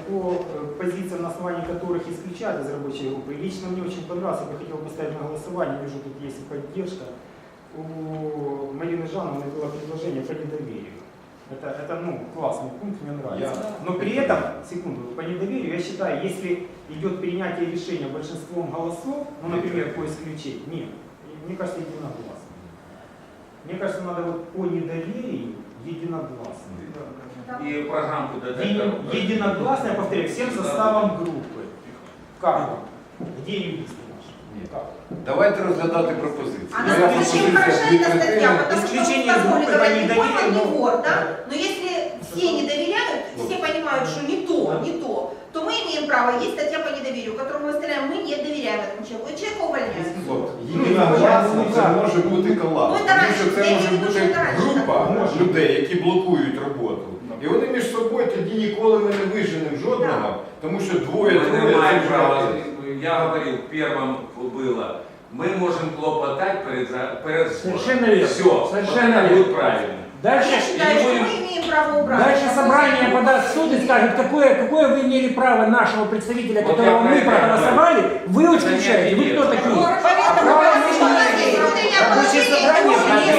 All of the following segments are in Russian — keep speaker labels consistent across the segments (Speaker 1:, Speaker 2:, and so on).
Speaker 1: по позициям, на основании которых исключают из рабочей группы. Лично мне очень понравилось, я бы хотел поставить на голосование, вижу, тут есть поддержка. У Марины Жановны было предложение по недоверию. Это классный пункт, мне нравится. Но при этом, секунду, по недоверию, я считаю, если идет принятие решения большинством голосов, например, по исключению, нет, мне кажется, единогласно. Мне кажется, надо вот по недоверию единогласно.
Speaker 2: И программку дадут.
Speaker 1: Единогласно, я повторяю, всем составом группы. Как? Где юристы наши? Как?
Speaker 3: Давайте розглядати пропозиції.
Speaker 4: А насколько чем хороша эта статья? Потому что
Speaker 1: исключение
Speaker 4: в
Speaker 1: группы
Speaker 4: законе говорят, не
Speaker 1: недоверия,
Speaker 4: вор, не
Speaker 1: но-
Speaker 4: вор, да? Но если все не доверяют, все понимают, что не то мы имеем право, есть статья по недоверию, которую мы выставляем, мы не доверяем этому человеку, и человека увольняют.
Speaker 3: Єдиногласно це може бути колапс,
Speaker 4: Ну,
Speaker 3: тому
Speaker 4: це
Speaker 3: що це
Speaker 4: раніше,
Speaker 3: може
Speaker 4: я не
Speaker 3: бути
Speaker 4: дуже раніше
Speaker 3: група
Speaker 1: так.
Speaker 3: людей, які блокують роботу. І вони між собою тоді ніколи ми не виженемо жодного, тому що
Speaker 2: Мы
Speaker 3: двоє-троє
Speaker 2: не маем
Speaker 3: це
Speaker 2: права.
Speaker 3: вже-
Speaker 2: Я говорил, первым было, мы можем клопотать перед
Speaker 5: Совершенно верно.
Speaker 2: Все,
Speaker 5: Совершенно
Speaker 2: это
Speaker 5: верно.
Speaker 2: будет правильно.
Speaker 5: Дальше,
Speaker 4: Я считаю, что мы имеем право убрать.
Speaker 5: дальше собрание подаст в суд и скажет, какое вы имели право нашего представителя,
Speaker 2: Вот
Speaker 5: которого
Speaker 2: я
Speaker 5: мы
Speaker 2: про это
Speaker 5: проголосовали, вы исключаете. Вы кто такие?
Speaker 4: Поэтому
Speaker 5: Право
Speaker 4: у нас
Speaker 5: не
Speaker 4: есть
Speaker 5: имеете.
Speaker 4: внутреннее
Speaker 1: Рабочее собрание
Speaker 4: положение,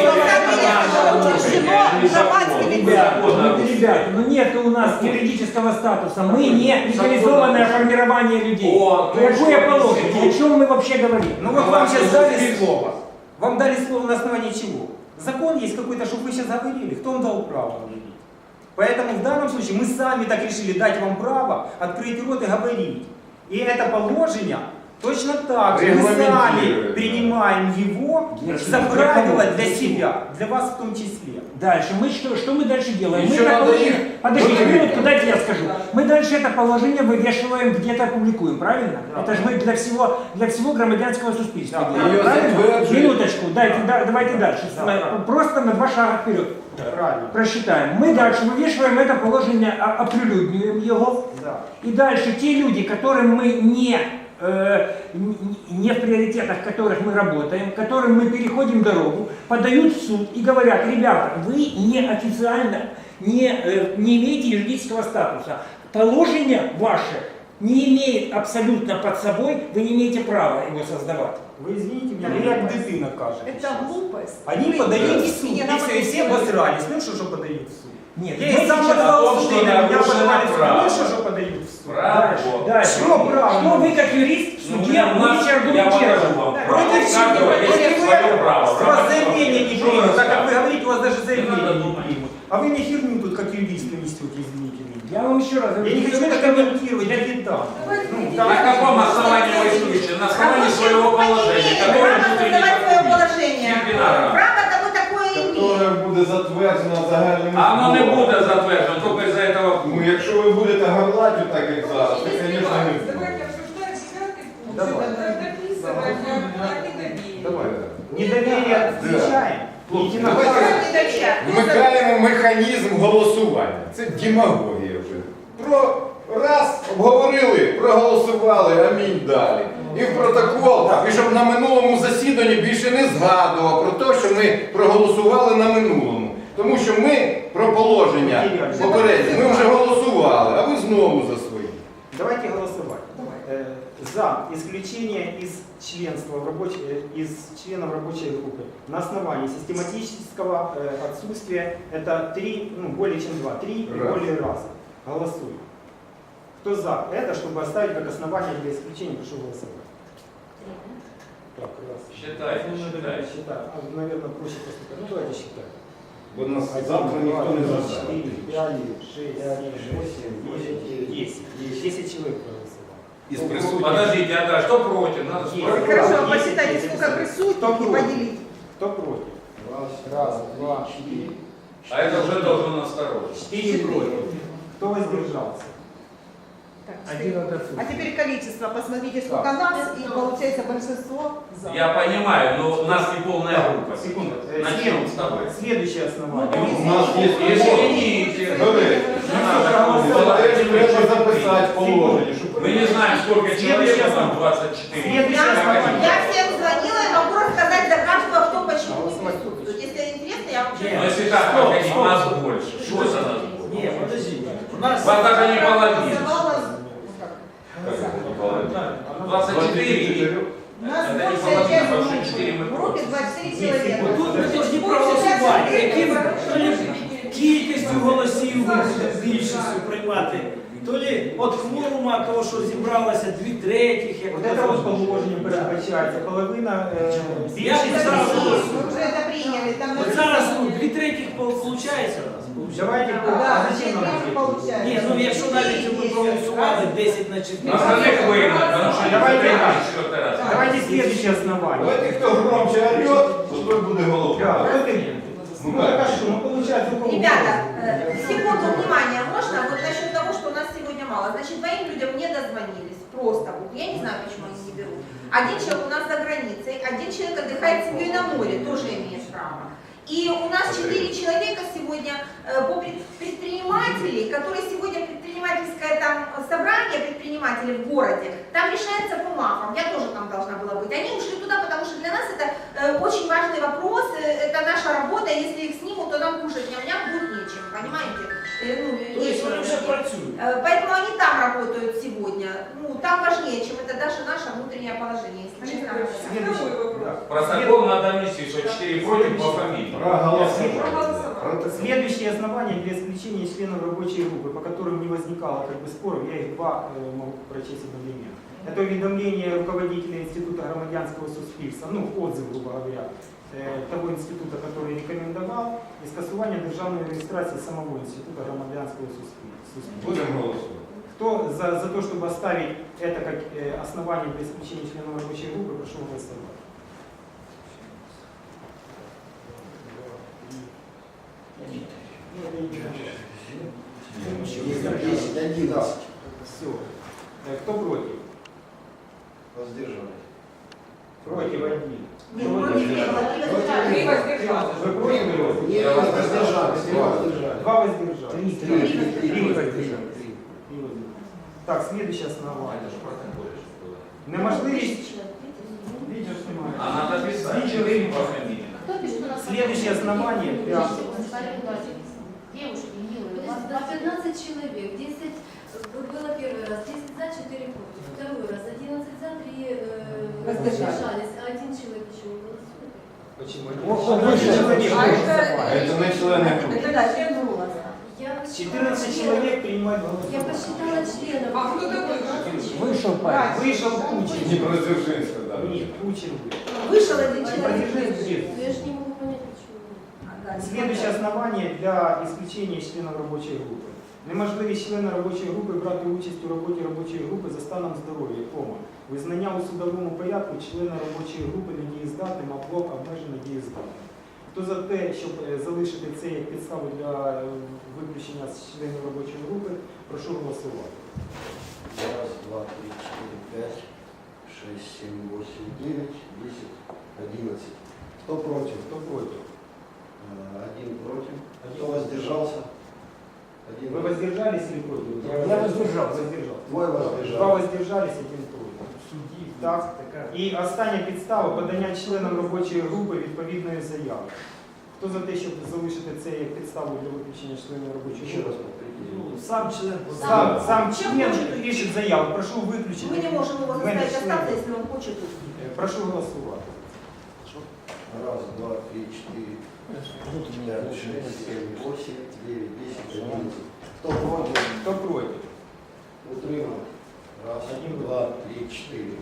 Speaker 5: Ребята, ну нет у нас юридического статуса, мы не легализованное формирование людей.
Speaker 2: О,
Speaker 5: Какое
Speaker 2: точно.
Speaker 5: положение? О чем мы вообще говорим?
Speaker 1: Ну вот вам сейчас дали слово. Вам дали слово на основании чего? Закон есть какой-то, чтобы вы сейчас говорили. Кто вам дал право говорить? Поэтому в данном случае мы сами так решили дать вам право открыть рот и говорить. И это положение точно так же мы сами
Speaker 3: Регламентирует,
Speaker 1: принимаем его за правило для себя, для вас в том числе.
Speaker 5: Дальше. Что мы дальше делаем?
Speaker 3: Еще
Speaker 5: Мы это
Speaker 3: надо
Speaker 5: положение...
Speaker 3: их
Speaker 5: Подождите,
Speaker 3: выявить.
Speaker 5: минутку, дайте я скажу. Мы дальше это положение вывешиваем, где-то публикуем, правильно?
Speaker 1: Да.
Speaker 5: Это же мы для всего громадянского суспільства
Speaker 1: Да.
Speaker 5: делаем,
Speaker 3: Ее
Speaker 5: правильно?
Speaker 3: затверджуем.
Speaker 5: Минуточку, давайте дальше.
Speaker 1: Да.
Speaker 5: Просто на 2 шага вперед.
Speaker 1: Правильно.
Speaker 5: Просчитаем. Мы дальше вывешиваем это положение, оприлюднюем его.
Speaker 1: Да.
Speaker 5: И дальше те люди, которым мы не в приоритетах, в которых мы работаем, которым мы переходим дорогу, подают в суд и говорят: ребята, вы неофициально не имеете юридического статуса. Положение ваше не имеет абсолютно под собой, вы не имеете права его создавать.
Speaker 1: Вы извините меня, вы как дитина кажете.
Speaker 6: Это глупость.
Speaker 1: Они
Speaker 6: Вы
Speaker 1: подают в
Speaker 6: говорите
Speaker 1: суд,
Speaker 6: мне
Speaker 1: и
Speaker 6: на
Speaker 1: все, и все обосрались. Ну что подают в суд?
Speaker 5: Нет,
Speaker 1: Я
Speaker 5: мы
Speaker 1: и сам
Speaker 5: сейчас-
Speaker 1: подавал
Speaker 2: о том,
Speaker 1: в суд,
Speaker 2: что
Speaker 1: и меня
Speaker 2: нарушено
Speaker 1: подавали в суд.
Speaker 2: право.
Speaker 1: Ну что подают в суд?
Speaker 5: Дальше,
Speaker 2: Право.
Speaker 5: дальше.
Speaker 1: Что право?
Speaker 5: Что вы как юрист в суде
Speaker 2: Я
Speaker 5: будете
Speaker 2: покажу
Speaker 5: аргументировать?
Speaker 2: вам право.
Speaker 1: Против чего?
Speaker 2: Каждого есть
Speaker 1: Против
Speaker 2: свое
Speaker 1: этого?
Speaker 2: право.
Speaker 1: С вас заявление не
Speaker 2: Что
Speaker 1: примут.
Speaker 2: вы
Speaker 1: Так как вы
Speaker 2: скажете?
Speaker 1: говорите, у вас даже заявление
Speaker 2: надо
Speaker 1: не
Speaker 2: думать.
Speaker 1: примут. А вы мне херню тут как юрист несете, извините меня.
Speaker 5: Я вам еще раз говорю,
Speaker 1: Я не хочу это комментировать, я не там.
Speaker 2: На каком основании вы исключили? На основании своего положения, которое
Speaker 4: Право
Speaker 2: внутри
Speaker 4: создавать свое
Speaker 2: не
Speaker 4: положение.
Speaker 2: Дисциплинарно.
Speaker 4: Право того такое имеет.
Speaker 3: Которое буде затверджено загальними
Speaker 2: А оно не
Speaker 3: зборами.
Speaker 2: будет затвержено, только из-за этого.
Speaker 3: Ну, якщо ви будете горлати так, як зараз, то, звісно, не буде.
Speaker 6: Давайте обсуждать 9 пункт.
Speaker 1: Давай.
Speaker 6: Дописывать недоверие.
Speaker 3: Давай.
Speaker 1: Недоверие включаем.
Speaker 3: Давайте
Speaker 4: Не доверяют.
Speaker 3: вмикаємо механізм голосування. Це демагогія вже. Раз обговорили, проголосували, амінь далі. І в протокол, і щоб на минулому засіданні більше не згадував про те, що ми проголосували на минулому. Тому що ми про положення попередньо, ми вже голосували, а ви знову за свої.
Speaker 1: Давайте голосовать. За исключение из членства из членов рабочей группы на основании систематического отсутствия, это 3, более чем 2, 3 и
Speaker 3: Раз.
Speaker 1: более раза. Голосуем. Кто за это, чтобы оставить как основание для исключения, прошу голосовать. Так, раз.
Speaker 2: Считайте, считайте.
Speaker 1: Считаю. Наверное, проще просто. Ну давайте считать.
Speaker 3: Бо нас завтра ніхто не заставить.
Speaker 1: 4, 5, 6, 7, 8, 10. 10 человек проголосовало.
Speaker 3: Із присутніх.
Speaker 2: Подождите, а что против? Надо
Speaker 1: Есть.
Speaker 2: спорить.
Speaker 4: Хорошо,
Speaker 1: Есть,
Speaker 4: посчитайте,
Speaker 1: есть,
Speaker 4: сколько
Speaker 1: есть.
Speaker 4: присутствует
Speaker 1: Кто
Speaker 4: и
Speaker 1: против?
Speaker 4: поделить.
Speaker 1: Кто против? Раз, два, 4.
Speaker 2: А это уже должен насторожить.
Speaker 1: 4 против. Кто воздержался?
Speaker 4: Так,
Speaker 5: Один от отсутствия.
Speaker 4: А теперь количество. Посмотрите, сколько нас, и получается большинство за.
Speaker 2: Я понимаю, но у нас не полная группа.
Speaker 1: Секунду.
Speaker 2: Начнем с тобой.
Speaker 1: Следующее основание.
Speaker 3: У нас є
Speaker 2: Извините.
Speaker 3: До речі,
Speaker 2: Не надо.
Speaker 3: це теж треба записати в положенні, щоб
Speaker 2: Мы не знаем, сколько человек, а там 24.
Speaker 1: Следующее основание.
Speaker 4: Я всем звонила и могу рассказать за каждого, кто почему не присутствует. Если интересно, я вообще...
Speaker 2: Но если так проходить, нас больше. Что за нас больше?
Speaker 1: Нет, подождите.
Speaker 2: Вас даже не половина.
Speaker 4: Голосовала
Speaker 7: сказати, то лі от кворума, того, що зібралося 2/3, як
Speaker 1: Вот это вот положение передбачається. Половина
Speaker 7: Я б зараз,
Speaker 4: Мы уже это приняли. Там
Speaker 7: от зараз 2/3 виходить у нас.
Speaker 1: Давайте,
Speaker 4: Да,
Speaker 1: зачем нам это?
Speaker 4: получается.
Speaker 7: Ні, ну якщо навіть ми проголосували 10 на 4.
Speaker 2: На остальных выгнать, потому что
Speaker 1: Давайте
Speaker 2: не
Speaker 1: так.
Speaker 2: четвертый раз.
Speaker 1: Давайте следующее основание.
Speaker 3: Давайте, хто громче орет, то той буде
Speaker 1: Да,
Speaker 3: головою.
Speaker 1: вот именно. Ну так а что, ну получается у кого
Speaker 4: Ребята,
Speaker 1: голос?
Speaker 4: секунду внимания, можно? Вот насчет того, что у нас сегодня мало. Значит, моим людям не дозвонились. Просто вот. Я не знаю, почему они не берут. Один человек у нас за границей, один человек отдыхает с семьей на море, тоже имеет право. И у нас 4 человека сегодня по предпринимателей, которые сегодня предпринимательское там собрание предпринимателей в городе, там решается по МАФам, я тоже там должна была быть. Они ушли туда, потому что для нас это очень важный вопрос, это наша работа, если их снимут, то нам кушать ням-ням будет нечем, понимаете? Ну,
Speaker 7: Тобто
Speaker 4: есть
Speaker 7: вони вже працюють.
Speaker 4: Поэтому они там работают сегодня. Ну, там важнее, чем это даже наше внутреннее положение, если честно говоря.
Speaker 1: Следующий.
Speaker 6: Второй вопрос.
Speaker 1: Да.
Speaker 2: Протокол надо внести, что 4 против по фамилии.
Speaker 6: Проголосовали.
Speaker 1: Следующие основания для исключения членов рабочей группы, по которым не возникало как бы споров, я их два могу прочесть одновременно. Это уведомление руководителя Института громадянского суспільства, ну, отзыв, грубо говоря, того института, который рекомендовал, и скасування державной регистрации самого Института громадянского суспільства.
Speaker 3: Будемо голосувати.
Speaker 1: Кто за то, чтобы оставить это как основание для исключения членов рабочей группы, прошу голосовать. Все. Кто против?
Speaker 8: Воздержались.
Speaker 1: Против один.
Speaker 4: Нет, против не было, не
Speaker 6: Три
Speaker 4: воздержались.
Speaker 6: воздержались.
Speaker 1: Вы против?
Speaker 8: Не воздержались, не воздержались.
Speaker 1: Два воздержались.
Speaker 8: Три.
Speaker 1: Три воздержались. Так, следующее основание.
Speaker 2: Это же протокол, что было.
Speaker 1: Неможливість. Видео снимаю.
Speaker 2: А надо писать 4 по фамилии.
Speaker 1: Следующее основание для...
Speaker 9: Девушки, милые, у вас 15 человек, 10 было первый раз, 10 за, 4 против, второй раз 11 за, 3 воздержались, а один человек еще не голосует.
Speaker 1: Почему?
Speaker 3: Это не члени групи.
Speaker 4: Это да, член голоса.
Speaker 9: Я
Speaker 1: 14 человек принимают
Speaker 9: Я
Speaker 1: голосование.
Speaker 9: посчитала членов.
Speaker 6: А кто такой?
Speaker 9: 15 человек.
Speaker 5: Вышел парень.
Speaker 1: Вышел Кучин.
Speaker 3: Дніпродзержинська, да.
Speaker 1: Нет, Кучин вышел.
Speaker 4: Вышел один человек.
Speaker 1: Продержись.
Speaker 9: Но я же не могу понять, почему.
Speaker 1: Следующее основание для исключения членів робочої групи. Неможливість члена робочої групи брати участь у роботі робочої групи за станом здоров'я, визнання у судовому порядку члена робочої групи недієздатним або обмежено дієздатним. Хто за те, щоб залишити це як підставу для виключення з членів робочої групи, прошу голосувати.
Speaker 8: Раз, два, три, четыре, пять, шесть, семь, восемь, девять, 10, 11. Кто против?
Speaker 1: Хто проти?
Speaker 8: Один против. Кто воздержался? Один.
Speaker 1: Ви воздержались или против?
Speaker 5: Я воздержався.
Speaker 8: Двое
Speaker 1: Два
Speaker 8: воздержались.
Speaker 1: воздержались, один проти. Так. І остання підстава подання членам робочої групи відповідної заяви. Хто за те, щоб залишити це як підставу для виключення членів робочої
Speaker 8: Еще
Speaker 1: групи?
Speaker 8: раз повторите.
Speaker 7: Сам член.
Speaker 1: Сам член пишет заяву, прошу выключить.
Speaker 4: Мы не можем его заставить остаться, если он хочет.
Speaker 1: Прошу голосувати.
Speaker 8: Раз, два, три, четыре, пять, шесть, семь, восемь, 9, 10, 11. Кто против?
Speaker 1: Хто проти?
Speaker 8: Утримал. Раз,
Speaker 1: Один.
Speaker 8: два, три, четыре.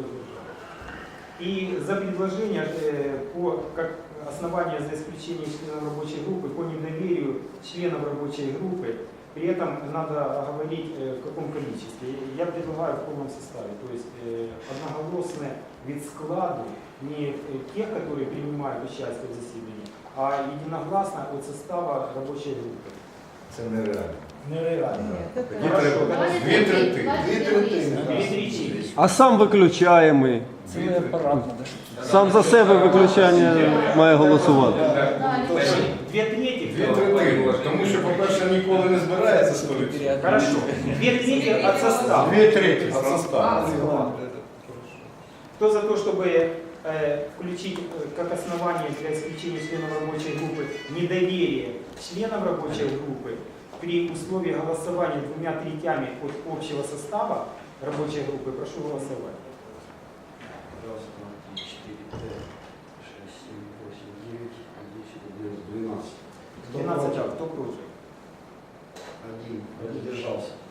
Speaker 1: И за предложение как основание за исключение членов рабочей группы по недоверию членов рабочей группы, при этом надо оговорить в каком количестве. Я предлагаю в полном составе, то есть одноголосное вид складу не тех, которые принимают участие в заседании, а единогласно от состава рабочей группы.
Speaker 3: Це нереально.
Speaker 7: Нереально.
Speaker 3: Тоді треба дві третини.
Speaker 8: Две третини.
Speaker 1: Две трети.
Speaker 10: А сам виключаємий.
Speaker 5: Цілий апарат надо.
Speaker 10: Сам за себе виключання має голосувати.
Speaker 1: Две трети.
Speaker 3: Дві третини. Тому що, по-перше, ніколи не збирається 100%.
Speaker 1: Хорошо. Две трети от состава.
Speaker 3: Дві треті від составу.
Speaker 1: Кто за то, чтобы включить как основание для исключения членов рабочей группы недоверие членам рабочей группы при условии голосования 2/3 от общего состава рабочей группы, прошу голосовать.
Speaker 8: Раз, два, три, четыре, пять, шесть, семь, восемь, 9, 10, 11, 12. Кто
Speaker 1: 12
Speaker 8: против?
Speaker 1: кто против?
Speaker 8: Один. Воздержался.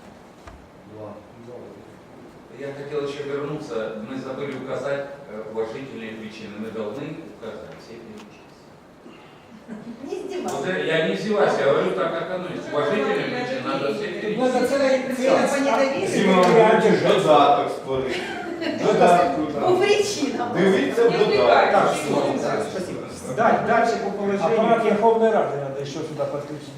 Speaker 2: Я хотел еще вернуться, мы забыли указать уважительные причины. Мы должны указать все перечисления.
Speaker 4: Не издевайся.
Speaker 2: Вот я не издеваюсь, я говорю так, как оно есть. Уважительные причины надо все
Speaker 5: Надо
Speaker 2: перечислить.
Speaker 5: целая
Speaker 4: По недоверию.
Speaker 3: Додаток створити. Додатку
Speaker 4: По
Speaker 3: там.
Speaker 4: причинам.
Speaker 3: Дивіться в
Speaker 1: Так,
Speaker 3: додатку.
Speaker 1: спасибо. Дальше по
Speaker 5: Аппарат
Speaker 1: положению.
Speaker 5: Верховной Рады надо еще сюда подключить.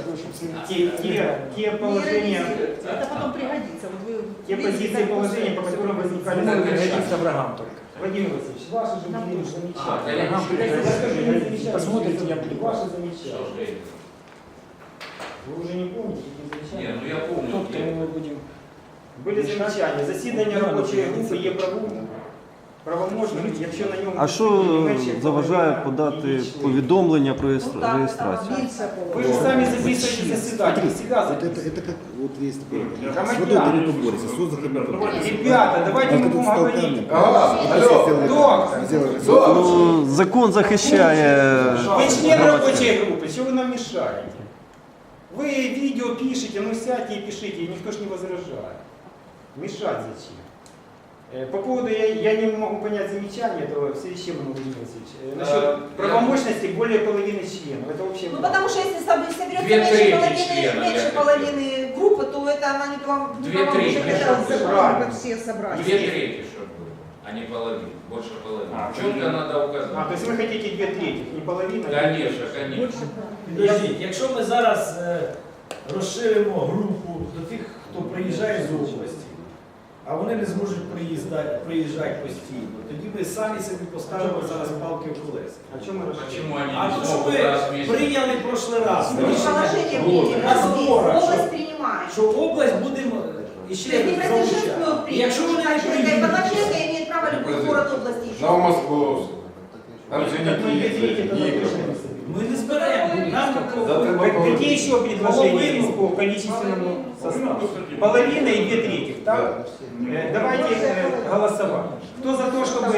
Speaker 1: Те положения,
Speaker 6: Это потом пригодится. Вот вы
Speaker 1: те позиции положения, по которым возникали
Speaker 5: Может
Speaker 1: замечания.
Speaker 5: пригодиться врагам только.
Speaker 1: Владимир Васильевич, ваши же были замечания.
Speaker 2: Врагам
Speaker 1: Замечания.
Speaker 5: Посмотрите, я буду.
Speaker 1: Ваши
Speaker 2: Что
Speaker 1: замечания.
Speaker 2: же это?
Speaker 1: Вы уже не помните эти
Speaker 2: Не,
Speaker 1: замечания?
Speaker 2: ну я помню.
Speaker 5: Тот, кому мы будем.
Speaker 1: Были замечания. Засідання робочої групи є правоможним, якщо на ньому...
Speaker 10: А що заважає подати повідомлення про реєстрацію?
Speaker 1: Ви ж самі записуєте засідання, всегда
Speaker 8: Вот
Speaker 1: записуєте.
Speaker 8: это как вот есть такое.
Speaker 1: Громадяне.
Speaker 8: С водой не поборется, с воздухом не поборется.
Speaker 1: Ребята, давайте мы
Speaker 8: Как
Speaker 1: будем
Speaker 8: тут стал
Speaker 1: говорить.
Speaker 8: камнем.
Speaker 3: Алло,
Speaker 1: Доктор.
Speaker 8: Сделали.
Speaker 10: Ну, закон захищає
Speaker 1: Вы член
Speaker 10: громадське.
Speaker 1: рабочей группы, чего вы нам мешаете? Вы видео пишете, ну сядьте и пишите, и никто ж не возражает. Мешать зачем? По поводу, я не могу понять замечания этого, в связи с чем, Владимир Васильевич, насчет правомощности более половины членов. Это вообще...
Speaker 4: Ну потому что если соберется
Speaker 2: Две трети членов,
Speaker 4: меньше
Speaker 2: я
Speaker 4: половины группы, то это она не вам не
Speaker 2: Две трети.
Speaker 1: Правильно.
Speaker 6: все собрать.
Speaker 2: Две трети, чтобы было, а не половина, больше половины. Четко надо указать.
Speaker 1: то есть вы хотите 2/3, не половина?
Speaker 2: Конечно, конечно.
Speaker 7: Підождіть, якщо ми зараз розширимо групу до тих, хто приїжджає з області, а вони не зможуть приїжджати постійно, тоді ми самі собі поставимо зараз палки в колеса.
Speaker 1: О чем мы расширяем?
Speaker 2: Почему они
Speaker 7: А
Speaker 2: не
Speaker 7: то, що
Speaker 2: смогут раз в
Speaker 7: ми
Speaker 2: месяц?
Speaker 7: прийняли в прошлий раз
Speaker 4: Положение
Speaker 7: рішення
Speaker 4: принято,
Speaker 7: на зборах,
Speaker 4: область принимает.
Speaker 7: що область будемо
Speaker 4: То
Speaker 7: іще
Speaker 4: есть не Преображенскую
Speaker 7: залучати. І
Speaker 4: принято,
Speaker 7: якщо вони не
Speaker 4: Преображенская и
Speaker 7: приїдуть,
Speaker 4: Преображенская имеет право любой город области еще.
Speaker 3: Новомосковськ. Там же
Speaker 1: Так мы
Speaker 3: не
Speaker 1: 2/3
Speaker 3: Киев,
Speaker 1: тогда
Speaker 3: Дніпро.
Speaker 1: точно не соберем.
Speaker 7: ми не зберемо. Нам
Speaker 1: Какие еще предложения есть по количественному составу? Половина и 2/3, так? Давайте голосовать. Кто за то, чтобы...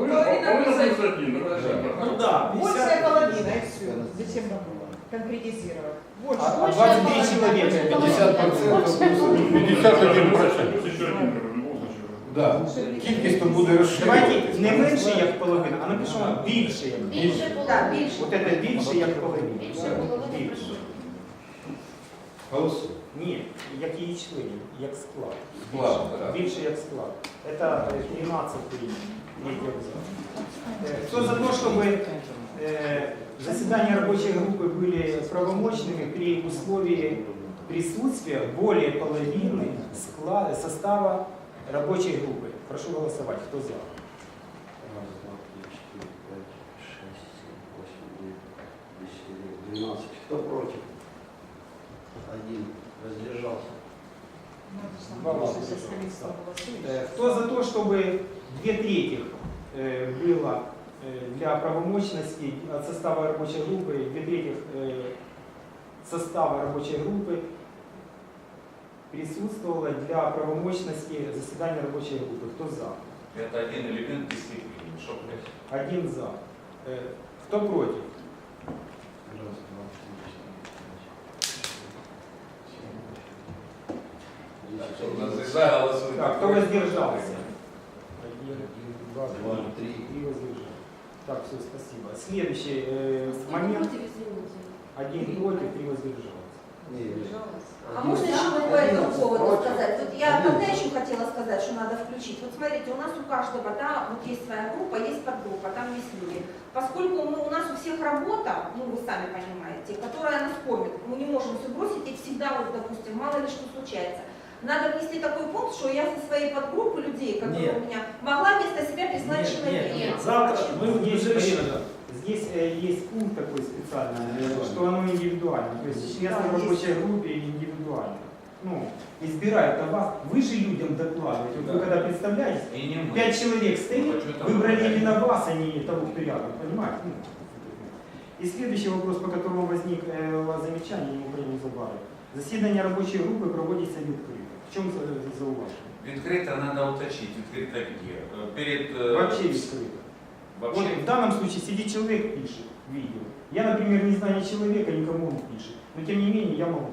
Speaker 7: ну да, 50.
Speaker 6: Большая половина, и все. Зачем нам конкретизировать? Больше.
Speaker 1: 23 человека.
Speaker 3: 50%. Да. Кількість то буде
Speaker 1: Давайте
Speaker 3: розширюватися.
Speaker 1: не менше як половина, а напишемо більше як половина.
Speaker 9: Більше
Speaker 4: Да,
Speaker 9: половини.
Speaker 4: більше.
Speaker 1: Вот это більше як половина.
Speaker 9: Більше половини.
Speaker 1: Більше.
Speaker 3: Голосуй.
Speaker 1: Ні, як її члени, як склад.
Speaker 3: Склад, так.
Speaker 1: Більше як склад. Это 13-й третий абзац. Кто за то, чтобы заседания рабочей группы были правомочными при условии присутствия более половины состава рабочей группы? Прошу голосовать. Кто за?
Speaker 8: Раз, два, три, четыре, пять, шесть, семь, восемь, девять, 10, 11, 12. Кто против? Один. Воздержался.
Speaker 1: Кто за то, чтобы 2/3 было для правомочности от состава рабочей группы, 2/3 состава рабочей группы присутствовало для правомочности заседания рабочей группы? Кто за?
Speaker 2: Это один элемент дисциплины. Что блядь?
Speaker 1: Один за. Кто против?
Speaker 8: Раз, два, три, четыре, пять, шесть,
Speaker 2: Так, что у нас
Speaker 8: семь,
Speaker 2: за голосует?
Speaker 1: Так, кто воздержался? 1, 2, 3
Speaker 8: два, три.
Speaker 1: воздержался. Так, все, спасибо. Следующий момент.
Speaker 9: Против, извините.
Speaker 1: 1 против, 3 воздержалось.
Speaker 4: А можно еще вот по этому поводу сказать? Вот я когда еще хотела сказать, что надо включить. Вот смотрите, у нас у каждого, да, вот есть своя группа, есть подгруппа, там есть люди. Поскольку у нас у всех работа, ну вы сами понимаете, которая нас кормит, мы не можем все бросить и всегда, вот, допустим, мало ли что случается. Надо внести такой пункт, что я со своей подгруппы людей, которые
Speaker 7: Нет.
Speaker 4: у меня, могла вместо себя прислать
Speaker 7: Нет,
Speaker 4: человека.
Speaker 7: нет. Завтра мы
Speaker 1: Здесь,
Speaker 7: уже решили.
Speaker 1: здесь есть пункт такой специальный, что оно индивидуально. То есть членство в рабочей группе индивидуально. Ну, избирают от вас, вы же людям докладываете. Вот
Speaker 7: Да.
Speaker 1: вы когда представляете,
Speaker 2: И не мы.
Speaker 1: 5 человек стоит,
Speaker 2: Ну, что там
Speaker 1: выбрали
Speaker 2: выбрали?
Speaker 1: именно вас, а не того, кто рядом, понимаете? Ну, и следующий вопрос, по которому возник у вас замечание, я не забавлю. Заседание рабочей группы проводится відкрито. В чем зауважение?
Speaker 2: Відкрито надо уточнить. Відкрито где? Перед...
Speaker 1: Вообще відкрито. Вот
Speaker 2: Вообще.
Speaker 1: в данном случае сидит человек, пишет видео. Я, например, не знаю ни человека, никому он пишет. Но тем не менее я молчу.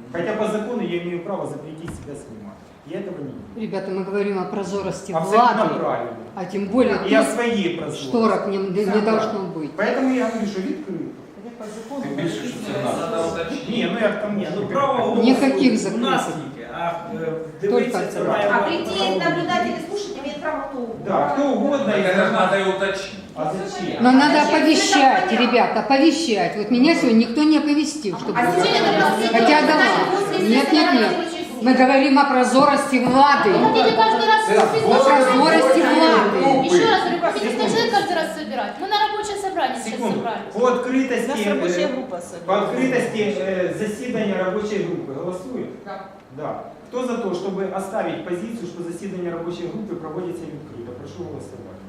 Speaker 1: Хотя по закону я имею право запретить себя снимать. Я этого не делаю.
Speaker 11: Ребята, мы говорим о прозорости
Speaker 1: Абсолютно
Speaker 11: влады,
Speaker 1: правильно.
Speaker 11: а тем более
Speaker 1: И о
Speaker 11: тут
Speaker 1: своей прозорости.
Speaker 11: шторок не
Speaker 1: Все
Speaker 11: должно
Speaker 1: правильно.
Speaker 11: быть.
Speaker 1: Поэтому я говорю, что відкрито.
Speaker 3: Тим більше, що це
Speaker 2: Надо
Speaker 3: наше.
Speaker 2: уточнить.
Speaker 1: Ні, ну я к тому,
Speaker 7: Ні, ну
Speaker 1: що
Speaker 7: право голосу
Speaker 11: Ніяких
Speaker 7: у
Speaker 11: закритих.
Speaker 7: нас тільки, а дивитися
Speaker 11: Только
Speaker 7: це
Speaker 11: це.
Speaker 7: має
Speaker 4: А
Speaker 7: бути
Speaker 4: прийти
Speaker 7: право.
Speaker 4: наблюдать или слушать имеет право кто угодно.
Speaker 1: Да, кто угодно.
Speaker 2: Так
Speaker 1: из
Speaker 2: это же
Speaker 1: нас.
Speaker 2: надо и уточнить.
Speaker 1: А зачем?
Speaker 11: Но надо
Speaker 4: Зачем?
Speaker 11: оповещать,
Speaker 4: Это понятно.
Speaker 11: ребята, оповещать. Вот меня сегодня никто не оповестил, чтобы...
Speaker 4: А сегодня как раз
Speaker 11: Хотя
Speaker 4: видео,
Speaker 11: да
Speaker 4: знаете,
Speaker 11: ладно.
Speaker 4: после
Speaker 11: Нет, нет,
Speaker 4: сессии
Speaker 11: нет.
Speaker 4: рабочей группы.
Speaker 11: Мы говорим о прозорости влады.
Speaker 9: Вы хотите каждый раз
Speaker 3: Це
Speaker 9: список?
Speaker 11: прозорости влады.
Speaker 9: Еще раз говорю, хотите каждый раз собирать? Мы на рабочее собрание сейчас
Speaker 1: Секунду.
Speaker 9: собрались.
Speaker 1: По открытости,
Speaker 6: У нас рабочая группа
Speaker 1: по
Speaker 6: собирается.
Speaker 1: открытости засідання рабочей группы голосуют?
Speaker 4: Да.
Speaker 1: Да. Кто за то, чтобы оставить позицию, что заседание рабочей группы проводится открыто? Прошу голосовать.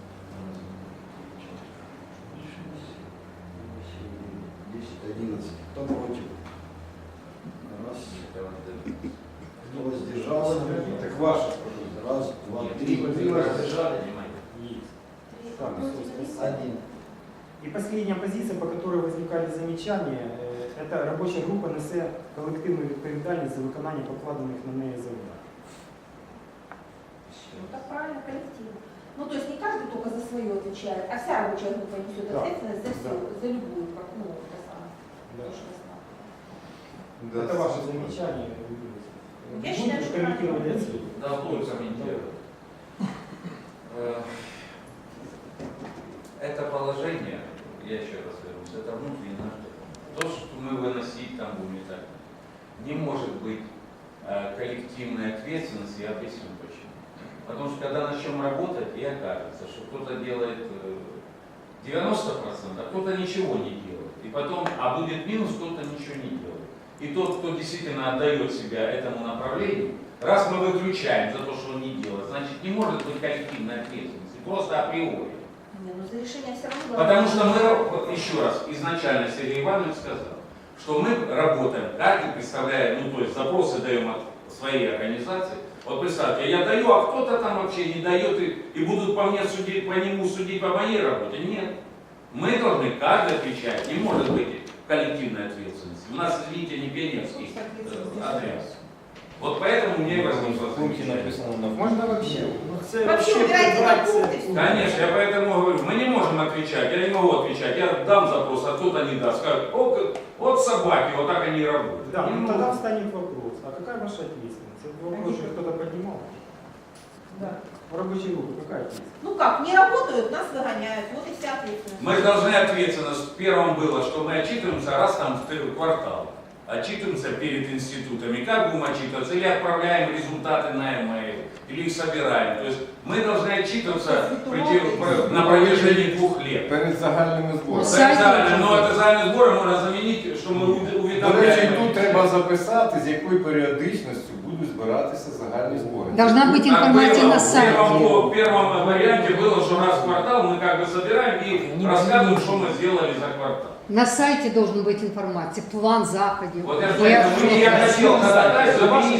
Speaker 8: 10, 11. Кто против? Раз. Кто воздержался?
Speaker 3: Так ваше.
Speaker 8: Раз, два, три. Три воздержали.
Speaker 1: Так,
Speaker 8: Один.
Speaker 1: и последняя позиция, по которой возникали замечания, это робоча група несе колективну відповідальність за виконання покладених на неї завдань.
Speaker 4: Ну так правильно, коллектив. Ну то есть не каждый только за свое отвечает, а вся рабочая группа несет
Speaker 1: Да.
Speaker 4: ответственность за все,
Speaker 1: Да.
Speaker 4: за любую, как, ну, это самое.
Speaker 1: Да.
Speaker 4: То, что я знаю.
Speaker 3: Да.
Speaker 1: Это ваше замечание.
Speaker 4: Я считаю,
Speaker 1: Будете
Speaker 4: что
Speaker 1: комментировать
Speaker 4: правильно.
Speaker 1: отсюда?
Speaker 2: Да, буду комментировать. Это положение, я еще раз вернусь, это внутренний наш закон. То, что мы выносить там будем и так. Не может быть коллективной ответственности, я объясню почему. Потому что когда начнем работать, и окажется, что кто-то делает 90%, а кто-то ничего не делает. И потом, а будет минус, кто-то ничего не делает. И тот, кто действительно отдает себя этому направлению, раз мы выключаем за то, что он не делает, значит не может быть коллективной ответственности, просто априори.
Speaker 4: Не, ну за решение все равно.
Speaker 2: Потому что мы, вот еще раз, изначально Сергей Иванович сказал, что мы работаем, каждый представляет, ну то есть запросы даем от своей организации. Вот представьте, я даю, а кто-то там вообще не дает и будут по мне судить, по нему судить по моей работе. Нет. Мы должны каждый отвечать, не может быть коллективной ответственности. У нас, извините, не пионерский отряд. Вот поэтому мне и возникло
Speaker 3: В пункте
Speaker 2: замечание.
Speaker 3: написано на
Speaker 1: Можно вообще?
Speaker 7: Ну, це
Speaker 4: Вообще убирайте на
Speaker 7: прибрати це.
Speaker 4: пункты все.
Speaker 2: Конечно, я поэтому говорю, мы не можем отвечать, я не могу отвечать, я дам запрос, а кто-то не даст. Скажут, вот собаки, вот так они и работают.
Speaker 1: Да,
Speaker 2: Не
Speaker 1: ну
Speaker 2: могу.
Speaker 1: тогда встанет вопрос, а какая ваша ответственность? Этот вопрос же кто-то поднимал.
Speaker 4: Да.
Speaker 1: В рабочей группе какая ответственность?
Speaker 4: Ну как, не работают, нас выгоняют, вот и вся ответственность.
Speaker 2: Мы же должны ответственность. Первым было, что мы отчитываемся раз там в квартал. Отчитываемся перед институтами. Как будем отчитываться? Или отправляем результаты на e-mail, или их собираем. То есть мы должны отчитываться на протяжении 2 лет.
Speaker 3: перед загальними зборами.
Speaker 2: Но это загальные сборы можно заменить, что мы
Speaker 3: До речі,
Speaker 2: уведомляем.
Speaker 3: тут треба записати, з якою періодичністю будуть збиратися загальні збори.
Speaker 11: Должна быть информация на сайте.
Speaker 2: В первом варианте было, что раз в квартал мы как бы собираем и рассказываем, что мы сделали за квартал.
Speaker 11: На сайте должен быть информация, план заходов.
Speaker 2: Вот я,
Speaker 11: И
Speaker 2: поэтому я
Speaker 11: отчет.
Speaker 2: хотел ходатайство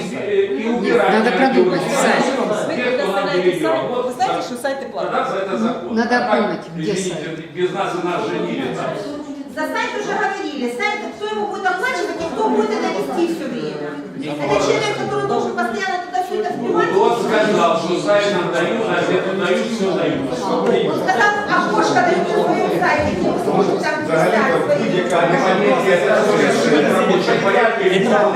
Speaker 2: и убирать.
Speaker 11: Надо продумать сайт.
Speaker 6: Вы
Speaker 2: Тех, кто нам
Speaker 6: предоставляете
Speaker 2: перейдет.
Speaker 6: сайт,
Speaker 2: Вот
Speaker 6: вы знаете,
Speaker 2: за-
Speaker 6: что сайты
Speaker 2: Тогда
Speaker 6: платные.
Speaker 2: за это закон.
Speaker 11: Надо
Speaker 2: А так,
Speaker 11: помнить, где
Speaker 2: извините,
Speaker 11: сайт.
Speaker 2: без нас и нас женили. там.
Speaker 4: За сайт уже говорили, сайт, кто его будет оплачивать и кто будет это вести все время. Это человек, который должен постоянно туда все это вбивать.
Speaker 2: Тот сказал, что сайт нам дают, а это дают, все дают.
Speaker 4: Он сказал, окошко дают на своем сайте, где вы сможете там
Speaker 3: Взагалі,
Speaker 4: писать свои.
Speaker 3: будь-яка
Speaker 2: В рабочем порядке и у нас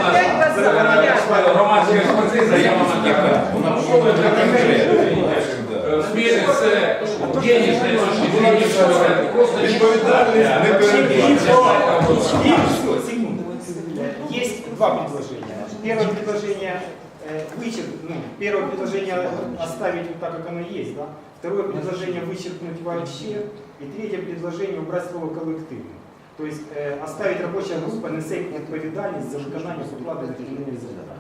Speaker 2: громадская экспертиза, я вам отдыхаю.
Speaker 3: Вона повинна бути конкретною.
Speaker 2: В смысле, с денежной точки зрения, что это просто
Speaker 3: Відповідальність не передбачена.
Speaker 1: Секунду. Есть два предложения. Первое предложение первое предложение оставить вот так, как оно есть, да? Второе предложение вычеркнуть вообще. И третье предложение убрать слово коллективно. То есть оставить рабочая группа несе відповідальність за виконання покладених на неї завдань.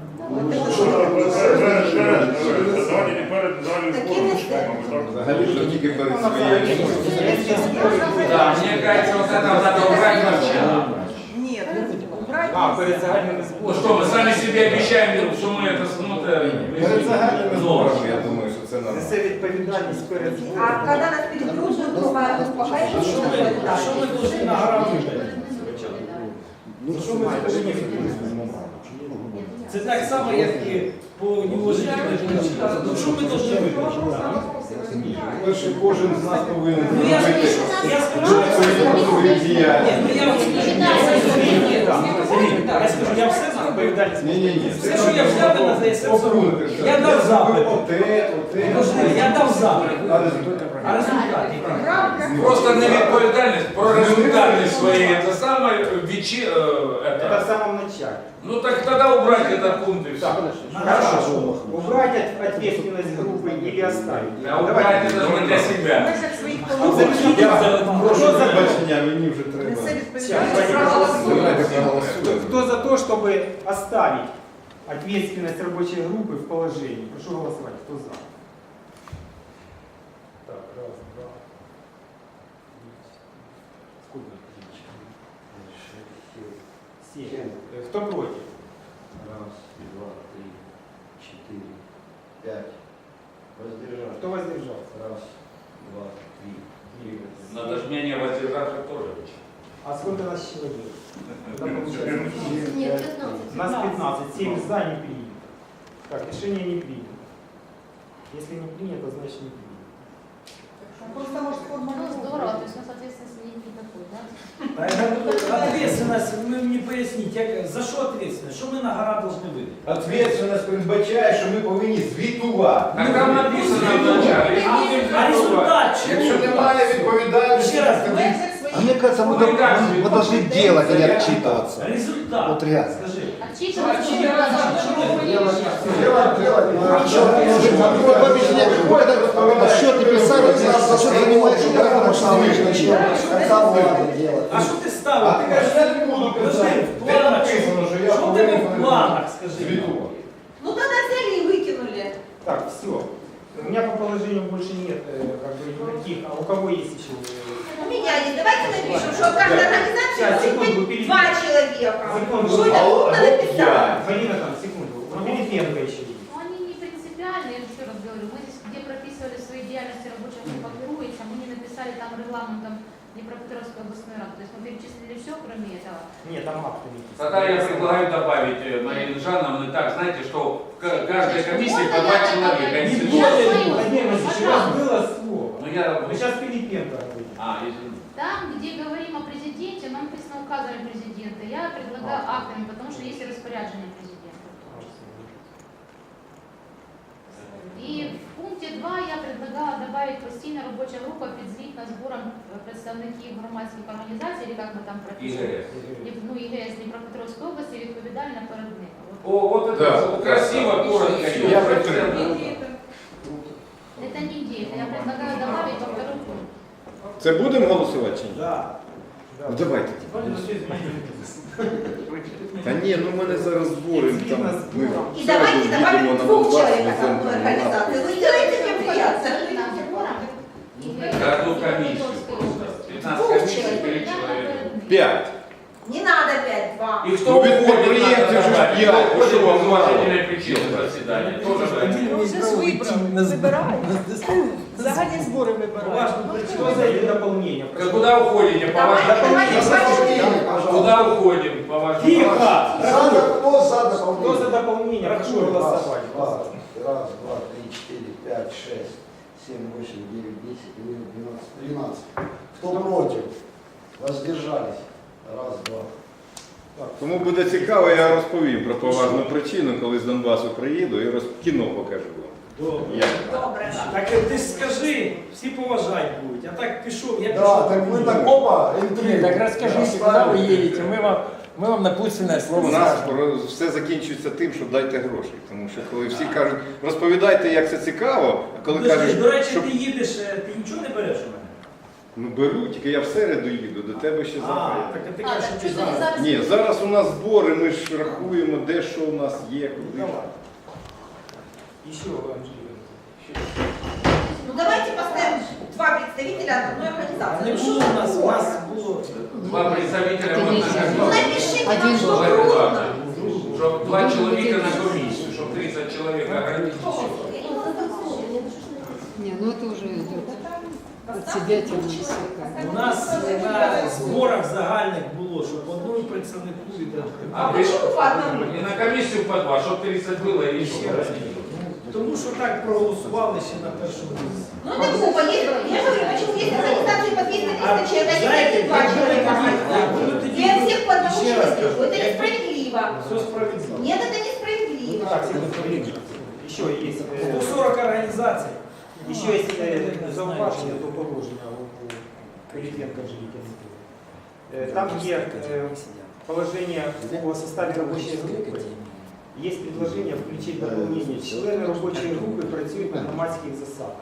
Speaker 3: Взагалі, що тільки перед своєю.
Speaker 2: Да, мне кажется, вот это надо убрать вообще.
Speaker 6: Нет, убрать.
Speaker 1: Перед загальними
Speaker 2: Ну
Speaker 1: зборами.
Speaker 2: что, мы сами себе обещаем, что мы это
Speaker 3: Перед загальними зборами, я думаю, що це нормально.
Speaker 1: Несе відповідальність перед
Speaker 4: А
Speaker 1: зборами.
Speaker 4: когда нас переберут, другая группа, а это что такое?
Speaker 7: А що ми повинні награбити?
Speaker 1: За що ми це не відповідальність?
Speaker 7: Це так само, як і по неуважительній причині. Ну що ми повинні виключити?
Speaker 3: Перше, кожен з нас повинен
Speaker 7: Ну я
Speaker 3: зробити
Speaker 7: скажу,
Speaker 3: свою
Speaker 7: ні,
Speaker 3: діяльність.
Speaker 7: ну я скажу, я все зробив.
Speaker 3: Ні.
Speaker 7: Все, що я взяв, на це все зробив. Я дав запит. Я дав запит. А результат який?
Speaker 2: Просто невідповідальність про результати свої. Це саме
Speaker 1: Это в самом начале.
Speaker 2: Ну так тогда убрать этот пункт и все.
Speaker 1: Хорошо. Убрать ответственность группы или оставить?
Speaker 2: А убрать это же для себя.
Speaker 3: Прошу вибачення, мені вже треба. Давайте проголосуємо.
Speaker 1: Кто за то, чтобы оставить ответственность рабочей группы в положении? Прошу голосовать. Кто за? Так, раз, два. Сколько? 7. Кто против?
Speaker 8: Раз, два, три, четыре, пять. Воздержался.
Speaker 1: Кто воздержался?
Speaker 8: Раз, два, три.
Speaker 2: Надо же менее воздержаться тоже.
Speaker 1: А сколько нас человек? Тогда получается,
Speaker 9: Нет, 15.
Speaker 1: нас 15. 7 за не принято. Так, решение не принято. Если не принято, значит не принято.
Speaker 6: Просто может
Speaker 9: Ну, здорово, то есть у нас ответственности нет никакой, да?
Speaker 7: Ответственность, ви мені поясніть, за що ответственность? Що ми на гора повинні видати?
Speaker 3: Ответственность передбачає, що ми повинні звітувати.
Speaker 2: Так там написано вначале.
Speaker 7: А результат чого?
Speaker 3: Якщо немає відповідальності,
Speaker 7: Ще раз,
Speaker 3: тоді
Speaker 8: А мне кажется, мы должны делать, а не отчитываться.
Speaker 7: Результат.
Speaker 8: Вот реально.
Speaker 7: Скажи.
Speaker 9: Отчитываться не
Speaker 8: Делать, отчеты писали, отчет занимаешься, потому что
Speaker 7: А що ти ставив?
Speaker 3: А ти кажеш, я не буду казати.
Speaker 7: В планах,
Speaker 3: Де написано, що я
Speaker 7: що в тебе в планах, скажи?
Speaker 3: звітувати.
Speaker 4: Ну тогда взяли и выкинули.
Speaker 1: Так, все. У меня по положению больше нет как бы никаких. А у кого есть еще?
Speaker 4: У меня есть. Давайте напишем, что каждая организация
Speaker 1: Сейчас,
Speaker 4: может
Speaker 1: секунду,
Speaker 4: быть
Speaker 1: перед-
Speaker 4: 2 человека.
Speaker 1: Секунду.
Speaker 4: Что это
Speaker 3: Алло,
Speaker 4: нужно написать?
Speaker 1: Марина, там, секунду. У Пилипенко еще есть.
Speaker 9: Ну, они не принципиальные, я еще раз говорю. Мы здесь, где прописывали свои деятельности рабочая группа Геруется, мы не написали там регламентом Днепропетровской областной рады. То есть мы перечислили все, кроме этого.
Speaker 1: Нет, там актами.
Speaker 2: Тогда я предлагаю добавить Марину Жанну так, знаете, что в каждой комиссии по 2 человека.
Speaker 1: Не
Speaker 2: Если-
Speaker 1: более, Владимир Васильевич, у вас было слово.
Speaker 2: Ну я...
Speaker 1: Вы сейчас Пилипенко говорите.
Speaker 2: извините.
Speaker 9: Там, где говорим о президенте, нам написано указами президента. Я предлагаю актами, потому что есть и распоряджение президента. И в пункте 2 я предлагала добавить постійна робоча група підзвітна збором представників громадських організацій, или як ми там прописали,
Speaker 2: ИГС.
Speaker 9: ну, ІГС Дніпропетровської області, відповідальна перед ними.
Speaker 2: О, вот это
Speaker 3: Да.
Speaker 2: красиво, коротко.
Speaker 3: Я підтримую.
Speaker 9: Это не где-то, я предлагаю добавить во второй пункт.
Speaker 3: Це будемо голосувати чи ні?
Speaker 7: Да.
Speaker 3: Ну давайте. Та ні, ну в мене зараз збори. Там, ми
Speaker 4: И давайте добавим
Speaker 3: їдемо на
Speaker 4: 2
Speaker 3: Донбас,
Speaker 4: человек
Speaker 3: на
Speaker 4: от
Speaker 3: центр.
Speaker 4: одной организации. Вы сделаете мне приятно.
Speaker 2: Каждую комиссию. 15 комиссий, 4 человека.
Speaker 3: 5.
Speaker 4: Не надо 5, 2.
Speaker 2: И кто
Speaker 3: Ну, ведь
Speaker 2: уходит,
Speaker 3: предприятие
Speaker 2: надо
Speaker 3: же
Speaker 2: добавить.
Speaker 3: пьян,
Speaker 2: Кто уходит
Speaker 3: что вам
Speaker 2: без
Speaker 3: мало?
Speaker 2: уважительной причины заседания. Тоже
Speaker 6: Загальні збори вибирають.
Speaker 7: Важно,
Speaker 1: Что за эти дополнения? Прошу.
Speaker 2: Куда уходите? По
Speaker 4: Давайте,
Speaker 2: вашему
Speaker 4: давайте,
Speaker 2: Куда уходим? По вашему
Speaker 7: Тихо!
Speaker 8: Кто за
Speaker 1: Кто за дополнение? Прошу голосовать.
Speaker 8: Раз, два, три, четыре, пять, шесть, 7, 8, 9, 10, 11, 12. Кто против? Воздержались. Раз, два.
Speaker 3: Кому буде цікаво, я розповім про поважну причину, коли з Донбасу приїду і кіно покажу вам. Як?
Speaker 4: Добре.
Speaker 7: Так ти ж скажи, всі поважають будуть. Я так пішов, я
Speaker 8: Да,
Speaker 7: пішов.
Speaker 8: так вы так опа, интриг.
Speaker 5: Так расскажите, куда вы едете, мы вам напутственное
Speaker 3: У
Speaker 5: слово
Speaker 3: нас
Speaker 5: скажем.
Speaker 3: все закінчується тим, що дайте гроші. Тому що коли всі кажуть, розповідайте, як це цікаво, а коли
Speaker 7: Подожди,
Speaker 3: кажуть,
Speaker 7: до речі,
Speaker 3: що
Speaker 7: ти їдеш, ти нічого не береш у мене?
Speaker 3: ну беру, тільки я в середу їду, до тебе ще
Speaker 7: А,
Speaker 3: завтра.
Speaker 7: так ти
Speaker 9: А,
Speaker 7: кажеш,
Speaker 9: так
Speaker 7: що ти
Speaker 9: что ты
Speaker 7: зараз.
Speaker 9: зараз...
Speaker 3: Ні, зараз у нас збори, ми ж рахуємо, де що у нас є, куди.
Speaker 7: Давай.
Speaker 1: Еще, Анжелика.
Speaker 4: Ну давайте поставим 2 представителя от одной
Speaker 7: А
Speaker 4: организации.
Speaker 7: не
Speaker 4: Ну,
Speaker 7: було
Speaker 4: что
Speaker 7: у нас було.
Speaker 2: 2 представителя
Speaker 11: Это
Speaker 2: вот
Speaker 11: нельзя.
Speaker 2: на
Speaker 4: Ну
Speaker 2: комиссию.
Speaker 4: напишите
Speaker 11: Один
Speaker 4: нам, что
Speaker 2: Чтобы
Speaker 4: трудно.
Speaker 2: 2 человека на комиссию, чтобы 30 человек ограничить.
Speaker 11: Не, ну это уже идет. От себе тягнуть.
Speaker 7: У нас на зборах загальних було, що по одному представнику від
Speaker 2: А
Speaker 4: почему по одному?
Speaker 2: и на комиссию по 2, чтобы 30 было и еще
Speaker 7: Ще раз. Тому що так проголосували ще на першому місці.
Speaker 4: Ну это глупо. Я говорю, почему есть организации по 200-300 человек, а
Speaker 7: знаєте,
Speaker 4: не 2 человека.
Speaker 7: були тоді,
Speaker 4: Я всех по одному
Speaker 7: ще раз
Speaker 4: человеку.
Speaker 7: кажу,
Speaker 4: Это несправедливо.
Speaker 7: все справедливо.
Speaker 4: Нет, это несправедливо.
Speaker 1: Так, еще есть,
Speaker 7: 140 організацій.
Speaker 1: еще есть зауваження до положення у Пилипенко Жилікіна. Там є положение о составе рабочей группы. Есть предложение включить дополнение. Члены рабочей группы працюють на громадських засадах.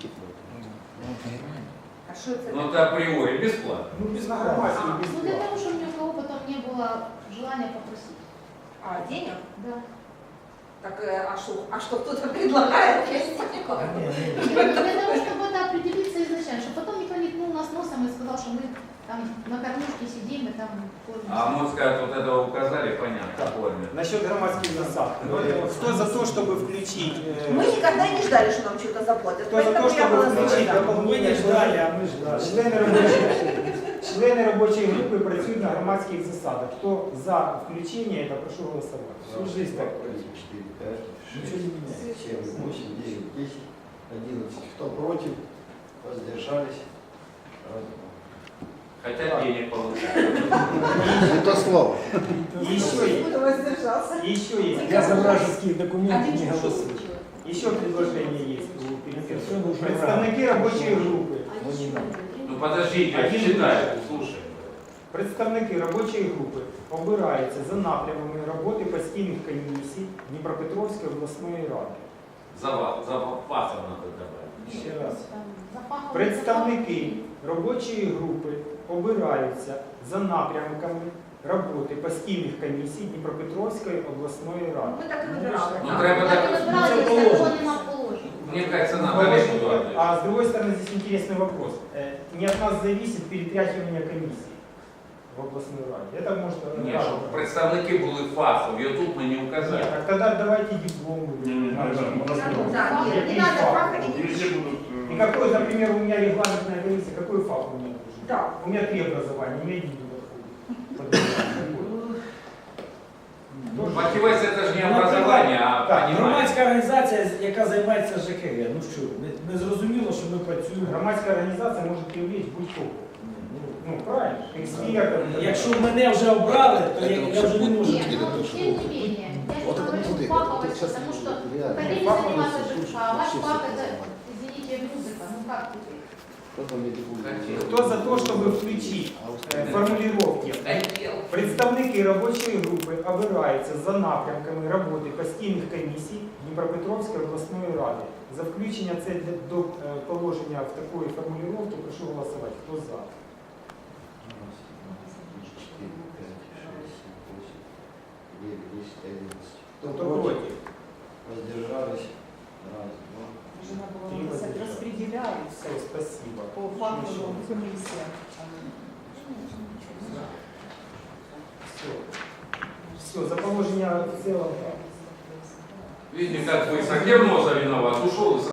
Speaker 4: А что это?
Speaker 2: Ну, это априори бесплатно.
Speaker 1: Ну, без громадских, без
Speaker 9: Ну для того, чтобы ни у кого потом не было желания попросить.
Speaker 4: А, денег?
Speaker 9: Да.
Speaker 4: Так, а что кто-то предлагает? Я не понимаю.
Speaker 9: Нет, для того, чтобы это определиться изначально, чтобы потом никто не ткнул нас носом и сказал, что мы там на кормушке сидим и там кормим.
Speaker 2: А можно сказать, вот этого указали, понятно, форме.
Speaker 1: Насчет громадских засад. Кто за то, чтобы включить...
Speaker 4: Мы никогда не ждали, что нам что-то заплатят.
Speaker 1: Кто за то,
Speaker 4: Поэтому я
Speaker 1: чтобы
Speaker 4: была
Speaker 1: включить
Speaker 4: за.
Speaker 7: Ми
Speaker 1: дополнение?
Speaker 7: не ждали, а ми ждали.
Speaker 1: Члени робочої групи працюють на громадських засадах. Хто за включення, это прошу голосувати.
Speaker 7: Всю жизнь так.
Speaker 8: 4, 5,
Speaker 7: Ничего
Speaker 8: 6,
Speaker 7: не меняется.
Speaker 8: 7, 8, 9, 10, 11. Кто против? Воздержались? Раз, два.
Speaker 2: Хотя денег получают.
Speaker 8: Не то слово.
Speaker 4: Кто воздержался?
Speaker 1: Еще есть.
Speaker 5: Я за вражеские документы
Speaker 4: Один
Speaker 5: не
Speaker 4: ушел.
Speaker 5: голосую.
Speaker 1: Еще предложение есть у Пилипенко.
Speaker 5: Все нужно
Speaker 1: Представники робочої групи.
Speaker 9: А еще
Speaker 2: Ну подождите, читай, слушай.
Speaker 1: Представники робочої групи обираються за напрямами роботи постійних комісій Дніпропетровської обласної ради.
Speaker 2: За пасом надо добавить.
Speaker 7: Ще раз.
Speaker 1: Представники робочої групи обираються за напрямками роботи постійних комісій Дніпропетровської обласної ради.
Speaker 4: Мы так и выбирали.
Speaker 2: Ну треба
Speaker 9: Так
Speaker 2: так.
Speaker 9: выбирали,
Speaker 7: Це
Speaker 9: если
Speaker 7: положено.
Speaker 9: закон нема положено.
Speaker 2: Мне кажется, надо решить.
Speaker 1: А с другой стороны, здесь интересный вопрос. Не от нас зависит перетряхивание комиссии в областной раде. Это может...
Speaker 2: Ні, щоб представники були фахові, тут ми не указали.
Speaker 1: Нет, так тогда давайте диплом.
Speaker 4: Да, нет, не надо фаха и
Speaker 1: И какой, например, у меня регламентная комиссия, какой факт у меня должен?
Speaker 4: Да.
Speaker 1: У меня 3 образования, у меня один туда входит.
Speaker 2: Мотивация это же не образование, а
Speaker 7: Так,
Speaker 2: понимание.
Speaker 7: громадська організація, яка займається ЖКГ. Ну що, не зрозуміло, що ми працюємо.
Speaker 1: Громадская организация может привлечь будь-кого. Ну, правильно, экспертов.
Speaker 7: Якщо мене вже обрали, то я вже не можу.
Speaker 9: Нет, но тем не менее, я же говорю фаховость, потому что хотели заниматься ЖКХ, а ваш фах это, извините, музыка, ну как теперь?
Speaker 1: Кто за то, чтобы включить формулировки? Представники робочої групи обираються за напрямками роботи постійних комісій Дніпропетровської обласної ради. За включення це до положення в такої формулировки прошу голосувати. Хто за?
Speaker 8: 4, 5, 6, 7, 8, 9, 10, 11. Кто
Speaker 1: Хто
Speaker 8: против?
Speaker 1: проти?
Speaker 8: Воздержались? Раз, два.
Speaker 6: Уже надо было написать, распределяются
Speaker 1: Все, спасибо.
Speaker 6: по факту комиссия.
Speaker 1: Все, за положення в цілому.
Speaker 2: Видите, как вы с Акерноза виноват, ушел и